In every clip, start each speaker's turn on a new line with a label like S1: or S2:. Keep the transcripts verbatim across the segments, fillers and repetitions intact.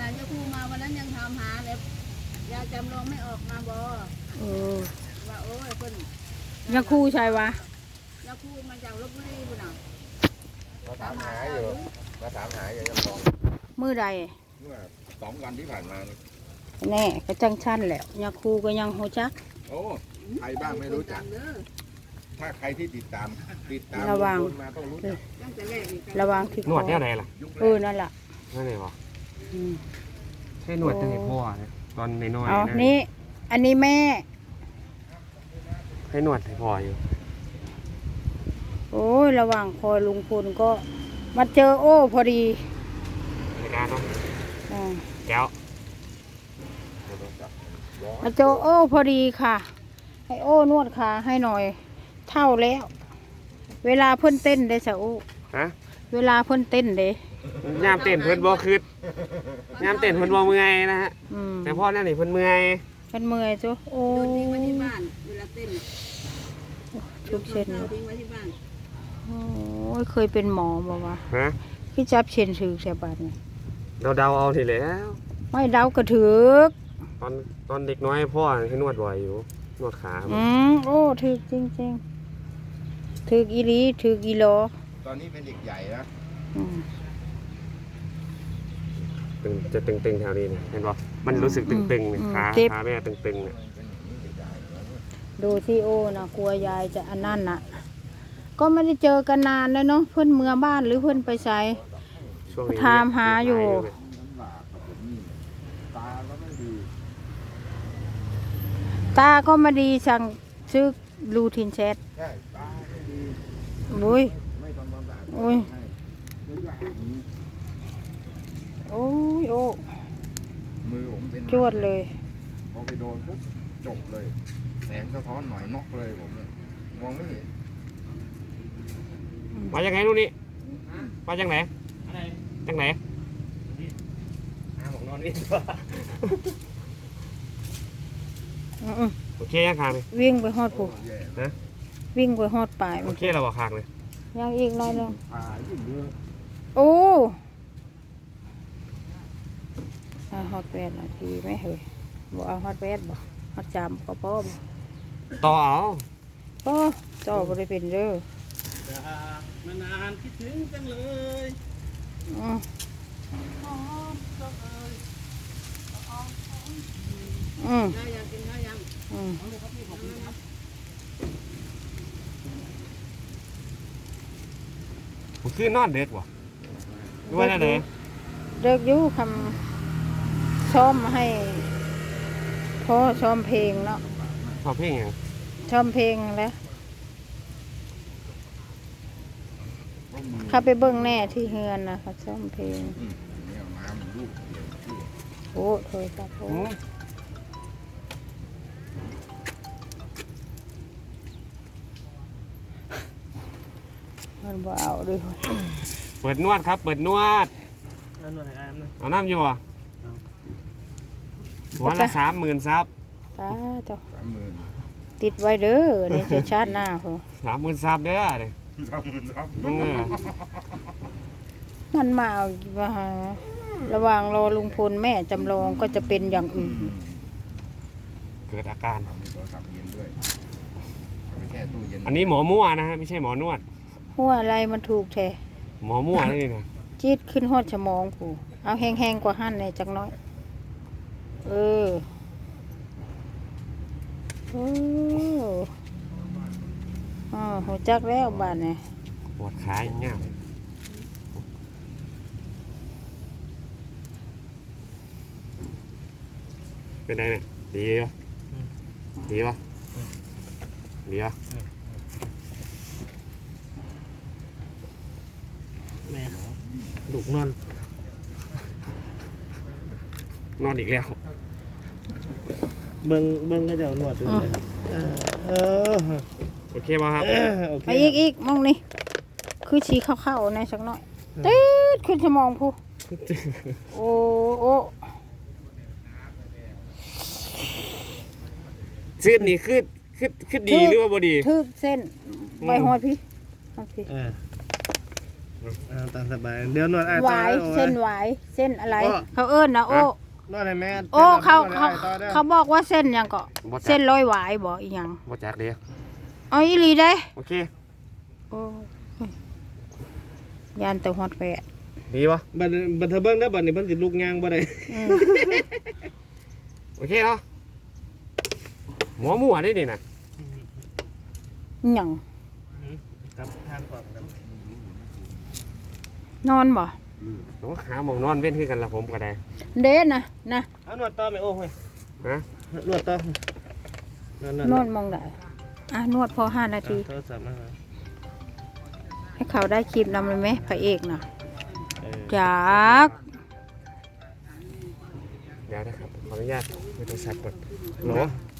S1: ยาคูมาวันนั้นยังถามหาเลยยาจำลองไม่ออกมาบอเออว่าโอ้ยคนยาคูใช่วะยาคูมาจากลพบุรีบุญน่ะ
S2: มาถามหาอยู่มาถามหาอยู่ยังมอง
S1: มือใด
S2: เมื่อสองวันที่ผ่านมา
S1: แน่ก็จังชั้นแหละยาคูก็ยังโหจัก
S2: โอ้ใครบ้างไม่รู้จักถ้าใครที่ติดตามติดตาม
S1: ระวัง
S2: มาต้องรู้จัก
S1: ระวังที่
S3: หนวดเนี่ยอะไรล่ะ
S1: เออนั่นแหละ
S3: นั่นเลยวะใช่หนวดตั้งแต่พ่อเนี่ยตอนน้อย
S1: ๆอ๋อนี่อันนี้แม่
S3: ให้หนวดให้พ่ออยู่
S1: โอ้ยระหว่างคอยลุงพลก็มาเจอโอ้พอดี
S3: ในการเนาะแก้ว
S1: มาเจอโอ้พอดีค่ะให้โอ้นวดขาให้หน่อยเท่าแล้วเวลาเพิ่นเต้นได้สะโอ้
S3: ฮะ
S1: เวลาเพิ่นเต้นเด้
S3: ยามเต้นเพิ่นบ่คืดยามเต้นเพิ่นบ่เมื่อยนะฮะแต่พ่อนั่นนี่เพิ่นเมื่อย
S1: เพิ่นเมื่อยจ้ะโอ้โดนทิ้งไว้ที่บ้านเวลาเต้นชุบเช่นทิ้งไว้ที่บ้านโอ้ยเคยเป็นหมอบ่วะ
S3: ฮะ
S1: พี่จับเช่นถือแสบาดนี่
S3: เราเดาเอาทีแล้ว
S1: ไม่เดากระถือ
S3: ตอนตอนเด็กน้อยพ่อให้นวดบ่อยอยู่นวดขา
S1: อืมโอ้ถือจริงๆถืออีหลีถือกิโล
S2: ตอนนี้เป็นเด็กใหญ่นะ
S3: ตึงจะตึงๆแถวนี้เนี่ยเห็นป่ะมันรู้สึกตึงๆเนี่ยขาขาแม่ตึงๆเนี่ย
S1: ดูที่โอ้นะกลัวยายจะอันนั่นน่ะก็ไม่ได้เจอกันนานแล้วเนาะเพื่อนเมืองบ้านหรือเพื่อนไปใช้ถามหาอยู่ตาก็มาดีสั่งซื้อรูทินเช็ดบุ้ยโอ้ยโอ้ยโอ้
S2: มือผมเป็น
S1: จวดเลย
S2: พอไปโดนปุ๊บจบเลยแสงสะท้อนหน่อยน็อกเลยผมมองไม่เห็น
S3: มาจากไหนนู่นนี่มาจากไหนจากไหนผมนอนนี่โอเคยังคางเลย
S1: วิ่งไปฮอดผู
S3: นะ
S1: วิ่งไปฮอดปลาย
S3: โอเคเราบอกคางเลย
S1: ยังอีกหน่อยนึงโอ้ฮอตแวดนาทีไม่เหรอบอกเอาฮอตแวดบอกฮอตจามก็ป้อม
S3: ต่อเอา
S1: ป้อต่อบริเป็นเด้อ
S3: มานานคิดถึงจังเลย
S1: อืมอืมอืม
S3: ผมคือนอนเด็กวะด้วยนะเด็ก
S1: เด็กอยู่คำซ้อมให้พ่อซ้อมเพลงเนาะ
S3: ซ้อมเพลงยัง
S1: ซ้อมเพลงแล้วเขาไปเบิ้งแน่ที่เฮือนนะเขาซ้อมเพลงโอ้โถยครับโอ้มันบ่เอาด้วย
S3: เปิดนวดครับเปิดนวดเอาน้ำอยู่อ่ะวันละสามหมื่นซับ
S1: ตาจ้ะติดไว้เด้อนี่จะชาติหน้าพอ
S3: สามหมื่นซับเด้อเลย
S1: มันมาเอาว่าระหว่างรอลุงพลแม่จำลองก็จะเป็นอย่างอื่น
S3: เกิดอาการอันนี้หมอมั่วนะฮะไม่ใช่หมอนวด
S1: หัวอะไรมันถูกแท้
S3: หมอมั่วนี่นะ
S1: จี๊ดขึ้นหอดสมองผู้เอาแห้งๆกว่าหั่นเลยจักน้อยเออโอ้อ๋อหัวจักแล้วบ้านเนี่ย
S3: ปวดขาอย่างเงี้ยเป็นไงเนี่ยดีปะดีปะดีปะแม่ดุนอนนอนอีกแล้ว
S4: เบิ้งเบิ้งก็จะหนวดดูเลยเออ
S3: โอเคป่ะครับ
S1: ไปอีกอีกมองนี่คือชี้เข้าๆในสักหน่อยตืดขึ้นสมองผู้โอ้โอ้
S3: เส้นนี่คือคือคือดีหรือว่าบ่ดี
S1: ทึกเส้นใบหอยพี่
S4: อ่าตามสบายเดี๋ยวนวดไอ้
S1: ห
S4: ต่อ
S1: วาย
S4: โอ้
S1: เส้นหวายเส้นอะไร
S4: โอ้
S1: เขาเอิ้นนะโอ้
S4: นวดให้แม่
S1: โอ้เขา
S4: นวดให้
S1: เขา
S4: อ้ต่อด้อ
S1: เขาบอกว่าเส้นหยังก็
S3: บ่จัก
S1: เส้นร้อยหวายบ่อีหยัง
S3: บ่จักเด้
S1: เอาอีหลีได้
S3: โอเค
S1: โอ้ยยานแต่ฮอดแปะ
S3: ดีปะ
S4: บัดบัดเทอเบิ้งได้อบัดนี้เพิ่นสิลุกย่างบ่ได้
S1: อืม
S3: โอเคเนาะหมอหมัวได้นี่นะ
S1: หยัง
S4: ครับทางก่อนครับ
S1: นอนบ่
S3: ต้องหาหมองนอนเว้นคือกันละผมก็ได้
S1: เด้นะนะ
S4: เอานวดต่อไหมโอ้เฮ้ย
S3: ฮะ
S4: นวดต่อ
S1: นอนมองได้อ่ะนวดพอห้านาที
S4: โทรศัพท์มา
S1: ให้เขาได้คลิปนำเลยไหมพระเอกน่ะ
S4: เออ
S1: จาก
S3: เดี๋ยวนะครับขออนุญาตไปโทรศัพท์ก่อนโหล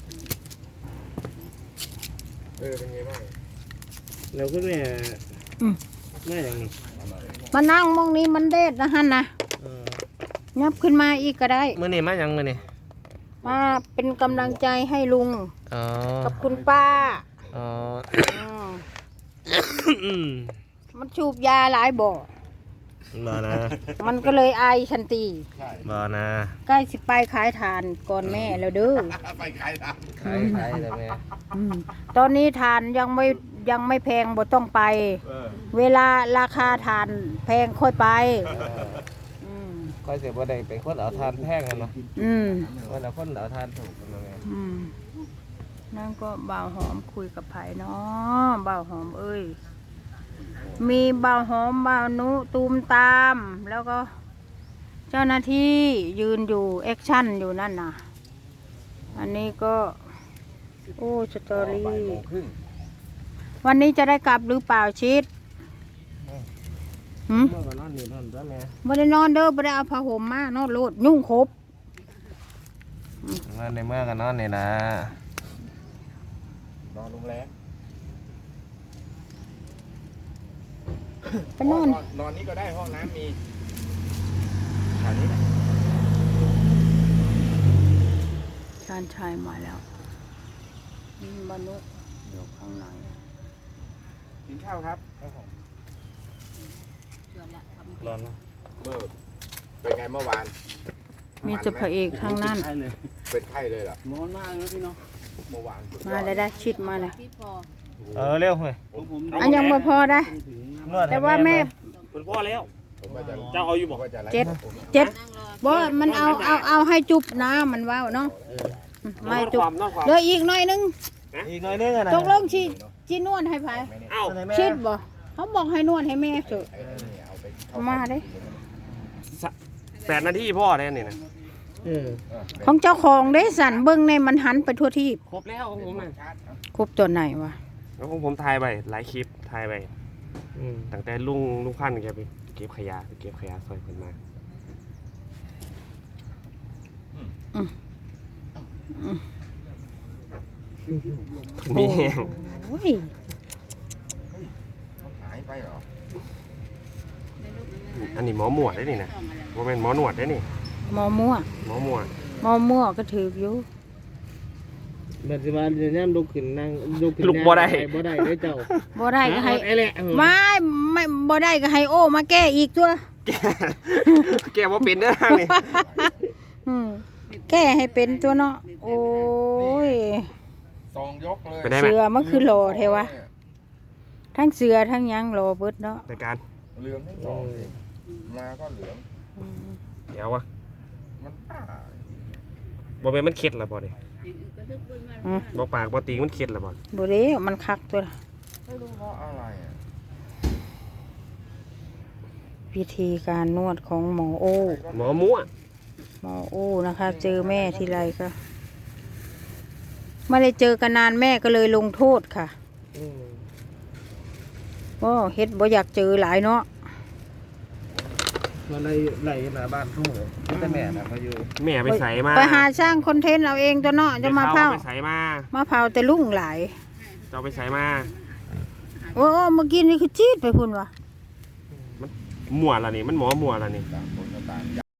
S3: เออเป็นไงบ้าง
S4: แล้วคุณแม่
S1: อืม
S4: แม่อย่างนี้
S1: มานั่งมองนี้มันเด็ดนะฮันนะ
S4: เออ
S1: ยับขึ้นมาอีกก็ได้
S4: มื้อนี้มาหยังมื้อนี้
S1: มาเป็นกำลังใจให้ลุง
S4: อ๋อ
S1: กับคุณป้า
S4: อ๋อ
S1: อืม
S4: อืม
S1: มันชูบยาหลายบ่อ
S4: บ่นะ
S1: มันก็เลยไอายทันที
S4: บ่นะ
S1: ใกล้สิไปขายทานก่อนแม่แล้วเด้อ
S2: ไปขายทาง
S4: ขายขายได้แม่
S1: อืมตอนนี้ทานยังไม่ยังไม่แพงบ่ต้องไป
S2: เออ
S1: เวลาราคาทานแพงค่อยไปม
S4: ค่อยสิบ่ได้เป็นคนเอาทานแพงกันเนาะ
S1: อืม
S4: ว่าแล้วคนเอาทานถูกกันเนาะแม่
S1: อืมนั่นก็บ่าวหอมคุยกับไผ่เนาะบ่าวหอมเอ้ยมีบ่าวหอมบ่าวนุตูมตาม แล้วก็ เจ้าหน้าที่ยืนอยู่แอคชั่นอยู่นั่นน่ะ อันนี้ก็ โอ้สตอรี่
S2: บ่ายโมงครึ่ง
S1: วันนี้จะได้กลับหรือเปล่าชิดหืม
S4: เมื่อก็นอนนี่นอนซะแม่
S1: บ่ได้นอนเด้อบ่ได้เอาผ้าห่มมานอนโลดยุ่งครบ
S4: นอนในเมื่อก็นอนนี่นะ
S2: นอนโรงแรม
S1: ไปนอน
S2: นอนนี่ก็ได้ห้องน้ำมีแถวนี้แหละ
S1: ชานชายมาแล้วนี่มนุษย์อยู่ข้างใน
S2: กินข้าวครับ
S4: ร้อนเนาะ
S2: เมื่อเป็นไงเมื่อวาน
S1: มีแต่พระเอกทั้งนั้น
S4: ใช่เลย
S2: เป็นไข้เลยเหรอ
S4: ร้อนมากเลยพี่น้อง
S2: เมื่อวาน
S1: มาเลยได้ชิดมาเลย
S4: เออเร็วเฮ้ย
S1: อันยังไม่พอได้
S4: นวดให้
S1: แต่ว่าแม่
S3: เป็นพ่อแล้ว
S2: ผมว่าจะ
S3: เจ้าเอาอยู่บ่
S2: ผมว่าจะไล่
S1: เจ็ด
S2: ผม
S1: เจ็ดบ่มันเอาเอาเอาให้จุบนะมันว่าวเนาะไม่จุบ
S3: ความนอกความ
S1: เหลืออีกหน่อยนึง
S4: อีกหน่อยนึงอะนะ
S1: ตกลงชีชีนวดให้ไผ
S3: เอ้า
S4: เอาไหนแม่
S1: ชิดบ่เขาบอกให้นวดให้แม่เถอะ
S2: ไอ้นี่เอาไปเข้
S1: มาเด้
S3: แปดนาทีพ่อได้นี่นะ
S4: เออ
S2: เออ
S1: ของเจ้าของเด้สันเบิ่งในมันหันไปทั่วที่
S3: ครบแล้วของผมนะ
S2: ชาร์จครับ
S1: ครบตัวไหนวะ
S3: แล้วของผมถ่ายไปหลายคลิปถ่ายไป
S4: อืม
S3: ตั้งแต่ลุงลุงพันธุ์แกไปเก็บขยะไปเก็บขยะซอยคนมามีแห้ง
S1: โอ้ย
S2: หายไปเหรอ
S3: อันนี้หมอหมวดได้นี่นะว่าเป็นหมอหนวดได้นี่
S1: หมอมั่ว
S3: หมอหมวด
S1: หมอมั่วก็ถืออยู่
S4: บัดสิว่าเดี๋ยวนี้ลุกขึ้นนั่งลุกขึ้น
S3: ลุกบ่ได้
S4: บ่ได้เด้อเจ้า
S1: บ่ได้ก็ให้
S4: ไอ้แหละเออ
S1: ไม่ไม่บ่ได้ก็ให้โอ้มาแก้อีกตัว
S3: แกแกว่าเป็นเด้อนี่
S1: อืมแก้ให้เป็นตัวเนาะโอ้ย
S2: ซองยกเลย
S3: ไปได้ไหม
S1: เสือมันคือโลเทวะทั้งเสือทั้งหยังโลเบิดเนาะ
S3: ในการ
S2: เหลืองทั้งสองเลยมาก็เหลือง
S1: อืม
S3: เดี๋ยววะ
S2: มันป้า
S3: บ่เป็นมันเข็ดแล้วบ่ดิ
S1: อืม
S3: บ่ปากบ่ตีมันเข็ดแล้วบ่
S1: บ่เด้มันคักตัวละ
S2: ไม่รู้เพราะอะไรอ่ะ
S1: วิธีการนวดของหมอโอ
S3: หมอมั่ว
S1: หมอโอนะคะ เจอแม่ทีไรก็ไม่ได้เจอกันนานแม่ก็เลยลงโทษค่ะ
S4: อืม
S1: ก็เฮ็ดบ่อยากเจอหลายเนาะ
S4: มันเลยไหลหน้าบ้านทุ่งเลยมีแต่แม่น่ะเขาอยู่
S3: แม่ไปใส่มา
S1: ไปหาสร้างคอนเทนต์เอาเองตัวเนาะจะมาเผา
S3: ไปใส่มา
S1: มาเผาแต่ลุ่งหลาย
S3: เจ้าไปใส่มา
S1: โอ้โอ้เมื่อกี้นี่คือจี๊ดไปพุ่นวะ
S3: มั่วแล้วนี่มันหมอมั่วแล้วนี่
S2: ต่างคนก็ต่าง